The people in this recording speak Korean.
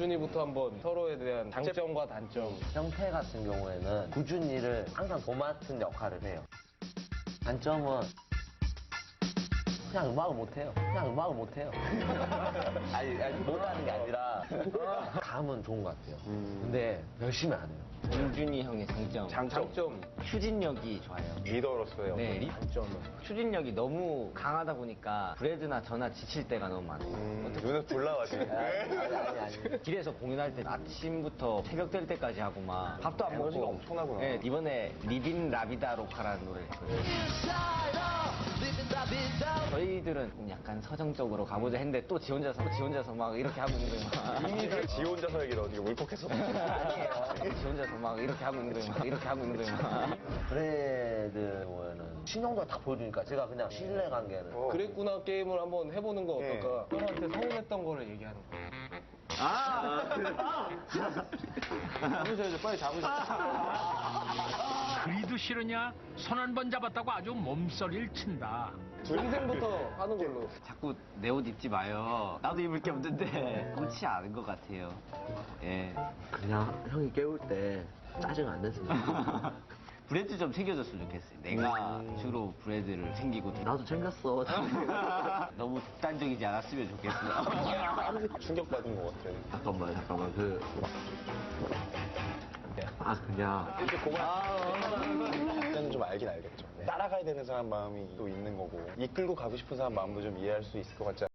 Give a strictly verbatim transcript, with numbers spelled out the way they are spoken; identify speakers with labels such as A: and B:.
A: 구준이부터 한번 서로에 대한 장점과 단점.
B: 형태 같은 경우에는 구준이를 항상 도맡은 역할을 해요. 단점은 그냥 음악을 못해요. 그냥 음악을 못해요. 아니, 아니, 못하는 게 아니라 감은 좋은 것 같아요. 근데 열심히 안 해요.
C: 공준이 형의 장점.
A: 장점.
C: 추진력이 좋아요.
A: 리더로서의
C: 네,
A: 어떤
C: 리-
A: 단점은.
C: 추진력이 너무 강하다 보니까 브래드나 저나 지칠 때가 너무 많아요.
D: 음, 눈에 불 나가시네.
B: 아니, 아니, 아니. 아니.
C: 길에서 공연할 때 아침부터 새벽 될 때까지 하고 막 밥도 안
D: 에너지가
C: 먹고
D: 엄청나구나.
C: 네, 이번에 리빈 라비다 로카라는 노래를 했거든요. 저희들은 약간 서정적으로 가보자 했는데 또 지 혼자서 지 혼자서 막 이렇게 하고 있는 거예요. 막.
D: 이미 그 지 혼자서 얘기를 어떻게 울컥해서.
C: 아니에요. 지 혼자서 막 이렇게 하고 있는 거예요. 막 이렇게 하고 있는 거예요. 막.
B: 브래드 경우에는 신용도가 다 보여주니까 제가 그냥 신뢰 관계를.
D: 어.
A: 그랬구나 게임을 한번 해보는 거
D: 예.
A: 어떨까? 형한테 서운했던 거를 얘기하는 거.
D: 잡으셔야죠. 빨리 잡으셔야죠.
E: 그리도 싫으냐? 손 한 번 잡았다고 아주 몸서리를 친다.
A: 동생부터 하는 걸로.
C: 자꾸 내 옷 입지 마요. 나도 입을 게 없는데 옳지 않은 것 같아요. 예.
B: 그냥 형이 깨울 때 짜증 안 냈으면 좋겠어.
C: 브레드 좀 챙겨줬으면 좋겠어요. 내가 주로 브레드를 챙기고
B: 나도 챙겼어.
C: 너무 극단적이지 않았으면 좋겠어요.
D: 충격받은 것 같아요.
B: 잠깐만, 잠깐만. 그. 아, 그냥.
D: 이렇게 고만 때는 좀 알긴 알겠죠. 따라가야 되는 사람 마음이 또 있는 거고 이끌고 가고 싶은 사람 마음도 좀 이해할 수 있을 것 같지 않아요?